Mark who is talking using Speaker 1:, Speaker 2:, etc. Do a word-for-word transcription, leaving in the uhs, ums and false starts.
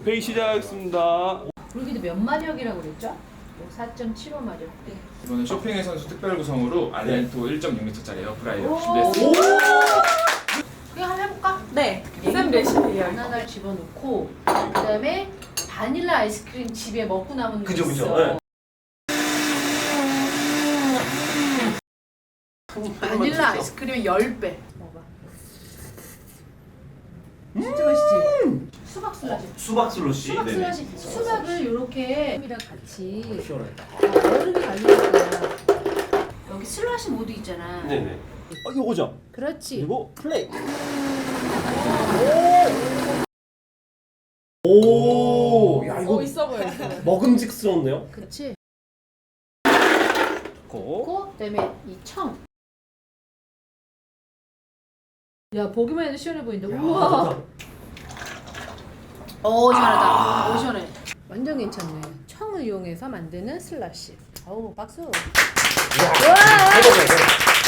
Speaker 1: 회의 시작하겠습니다.
Speaker 2: 우리도 몇 마력이라고 그랬죠? 사 점 칠오 마력. 네.
Speaker 3: 이번에 쇼핑의 선수 특별 구성으로 알렌토 일 점 육 리터짜리 에어프라이어
Speaker 2: 오.
Speaker 3: 준비했습니다.
Speaker 2: 그냥 한번 해볼까?
Speaker 4: 네. 쌤 레시피예요.
Speaker 2: 바나나를 집어넣고 그다음에 바닐라 아이스크림 집에 먹고 남은 거
Speaker 5: 그죠, 그죠.
Speaker 2: 있어.
Speaker 5: 네.
Speaker 2: 바닐라 아이스크림의 십 배. 먹어봐. 진짜 맛있지? 수박 슬러시.
Speaker 5: 수박 슬러시.
Speaker 2: 수박
Speaker 5: 네네.
Speaker 2: 슬러시. 수박을 이렇게 햄이랑 같이
Speaker 5: 시원해.
Speaker 2: 어, 얼음이 갈리는 거야. 여기 슬러시 모드 있잖아.
Speaker 5: 네네. 어, 이거죠.
Speaker 2: 그렇지.
Speaker 5: 그리고 플레이. 오. 야 이거
Speaker 4: 어, 있어 보여. 있어 보여.
Speaker 5: 먹음직스럽네요.
Speaker 2: 그렇지.
Speaker 5: 고.
Speaker 2: 고 그다음에 이 청. 야 보기만 해도 시원해 보인다. 우와.
Speaker 5: 좋다.
Speaker 2: 오 시원하다. 오 시원해. 완전 괜찮네. 청을 이용해서 만드는 슬러시. 어우 박수.
Speaker 5: 야, 해보자.